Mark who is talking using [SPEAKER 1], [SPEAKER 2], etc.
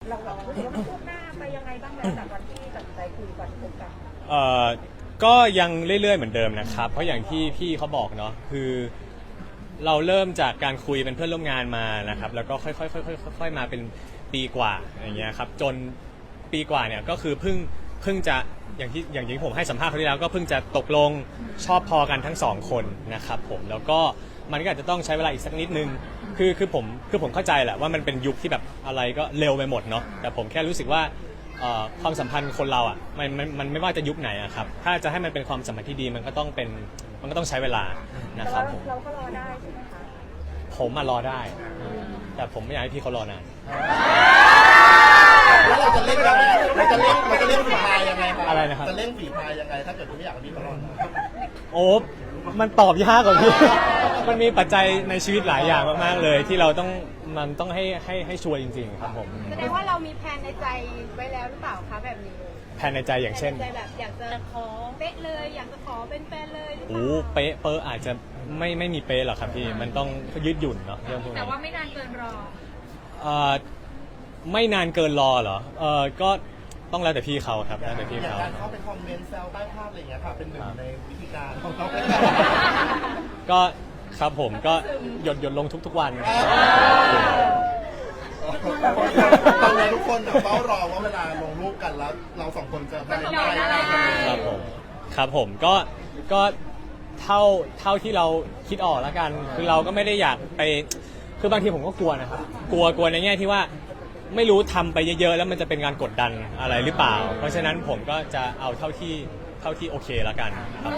[SPEAKER 1] เราแบบรู้สึกว่ามันคืบหน้าไปยังไงบ้างแล้วจากวันที่ตัดสินใจคุยกันพบกัน
[SPEAKER 2] ก็ยังเรื่อยๆเหมือนเดิมนะครับเพราะอย่างที่พี่เขาบอกเนาะคือเราเริ่มจากการคุยเป็นเพื่อนร่วมงานมานะครับแล้วก็ค่อยๆมาเป็นปีกว่าอย่างเงี้ยครับจนปีกว่าเนี่ยก็คือเพิ่งจะอย่างที่ผมให้สัมภาษณ์คราวที่แล้วก็เพิ่งจะตกลงชอบพอกันทั้งสองคนนะครับผมแล้วก็มันก็อาจจะต้องใช้เวลาอีกสักนิดนึงคือผมเข้าใจแหละว่ามันเป็นยุคที่แบบอะไรก็เร็วไปหมดเนาะแต่ผมแค่รู้สึกว่าความสัมพันธ์คนเราอ่ะมันไม่ว่าจะยุคไหนอะครับถ้าจะให้มันเป็นความสัมพันธ์ที่ดีมันก็ต้องใช้เวลานะครับผม
[SPEAKER 1] เราก็รอได้ใช่ไหมคะ
[SPEAKER 2] ผมมารอได้ แต่ผมไม่อยากให้พี่เขารอนาน
[SPEAKER 3] แล้วเราจะเล่นยังไงเราจะเล่นฝีพายยังไงครับ
[SPEAKER 2] อะไรนะครับ
[SPEAKER 3] จะเล่นฝีพายยังไงถ้าเกิดคุณไม่อยากให้พี่เขารอด
[SPEAKER 2] โอ้มันตอบยากกว่าพี่ มันมีปัจจัยในชีวิตหลายอย่างมากๆเลย ที่เราต้องให้ชัวร์จริงๆครับผม
[SPEAKER 4] แสดงว่าเรามีแผนในใจไว้แล้วหรือเปล่าคะแบบนี้
[SPEAKER 2] แผนในใจอย่างเช่น
[SPEAKER 4] แผในใจแบบอยากจะขอเป๊ะเลยอยากจะขอเป็นแฟนเลยหรือเป
[SPEAKER 2] โอ้
[SPEAKER 4] ล่า
[SPEAKER 2] เป๊ะเปอร์อาจจะไม่มีเป๊ะหรอกครับพี่ มันต้องยืดหยุ่นเนาะเรื่องพวก
[SPEAKER 4] แต่
[SPEAKER 2] นี้
[SPEAKER 4] ว่าไม่นานเกินรอ
[SPEAKER 2] ไม่นานเกินรอเหรอก็ต้องแล้วแต่พี่เขาครับแล้วแต่พี่
[SPEAKER 3] อย่าง
[SPEAKER 2] เขา
[SPEAKER 3] การเข้าไปคอมเมนต์แซวใต้ภาพอะไรอย่างเงี้ยค่ะเป็นหนึ่งในวิธีการของเขา
[SPEAKER 2] ก็ครับผมก็หยดลงทุกๆวัน
[SPEAKER 3] ตอนนี้ทุกคนเฝ้ารอว่าเวลาลงรูปกันแล้วเราสองคนจะมาอะไรยังไง
[SPEAKER 2] ครับผมก็เท่าที่เราคิดออกแล้วกันคือเราก็ไม่ได้อยากไปคือบางทีผมก็กลัวนะครับกลัวในแง่ที่ว่าไม่รู้ทำไปเยอะๆแล้วมันจะเป็นการกดดันอะไรหรือเปล่า เพราะฉะนั้นผมก็จะเอาเท่าที่โอเคแล้วกันครับ